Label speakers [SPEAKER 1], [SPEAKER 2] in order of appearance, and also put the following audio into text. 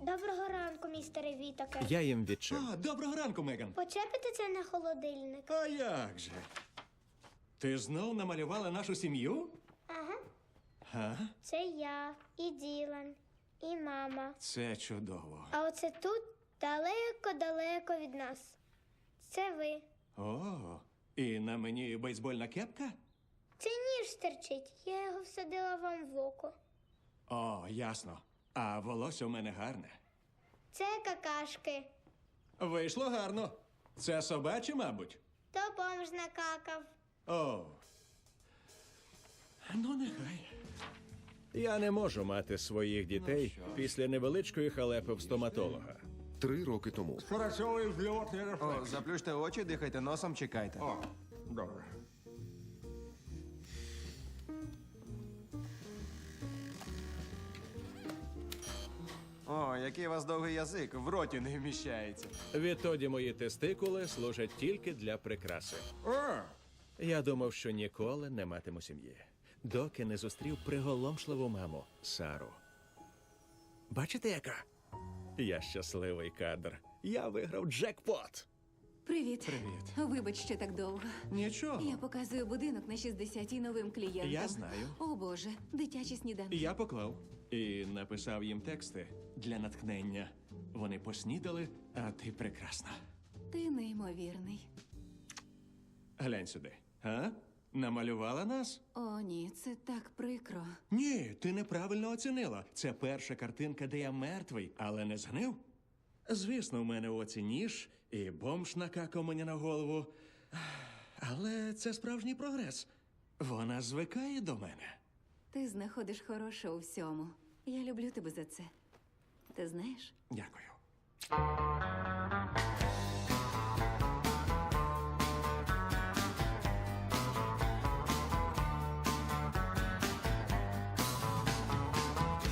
[SPEAKER 1] Доброго ранку, містере Вітаке.
[SPEAKER 2] Я їм відчив.
[SPEAKER 3] Доброго ранку, Меган.
[SPEAKER 1] Почепите це на холодильник?
[SPEAKER 3] А як же? Ти знов намалювала нашу сім'ю?
[SPEAKER 1] Ага.
[SPEAKER 3] Га?
[SPEAKER 1] Це я, і Ділан, і мама.
[SPEAKER 3] Це чудово.
[SPEAKER 1] А оце тут далеко-далеко від нас. Це ви.
[SPEAKER 3] О, і на мені бейсбольна кепка?
[SPEAKER 1] Це ніж стерчить. Я його всадила вам в око.
[SPEAKER 3] О, ясно. А волосся у мене гарне.
[SPEAKER 1] Це какашки.
[SPEAKER 3] Вийшло гарно. Це собаче, мабуть.
[SPEAKER 1] То бомж накакав.
[SPEAKER 3] О. Ну, нехай.
[SPEAKER 2] Я не можу мати своїх дітей після невеличкої халепи в стоматолога.
[SPEAKER 4] 3 роки тому.
[SPEAKER 5] Спрацьовує зльотний рефлекс.
[SPEAKER 6] О, заплющте очі, дихайте носом, чекайте.
[SPEAKER 5] О, добре.
[SPEAKER 6] О, який у вас довгий язик, в роті не вміщається.
[SPEAKER 2] Відтоді мої тестикули служать тільки для прикраси. Я думав, що ніколи не матиму сім'ї, доки не зустрів приголомшливу маму Сару. Бачите, яка? Я щасливий кадр. Я виграв джекпот.
[SPEAKER 7] Привіт. Вибач, що так довго.
[SPEAKER 3] Нічого.
[SPEAKER 7] Я показую будинок на 60-й новим клієнтам.
[SPEAKER 3] Я знаю.
[SPEAKER 7] О, Боже, дитячі сніданки.
[SPEAKER 3] Я поклав і написав їм тексти для натхнення. Вони поснідали, а ти прекрасна.
[SPEAKER 7] Ти неймовірний.
[SPEAKER 3] Глянь сюди. А? Намалювала нас?
[SPEAKER 7] О, ні, це так прикро.
[SPEAKER 3] Ні, ти неправильно оцінила. Це перша картинка, де я мертвий, але не згнив. Звісно, в мене в оці ніж і бомж накакав мені на голову. Але це справжній прогрес. Вона звикає до мене.
[SPEAKER 7] Ти знаходиш хороше у всьому. Я люблю тебе за це. Ти знаєш?
[SPEAKER 3] Дякую.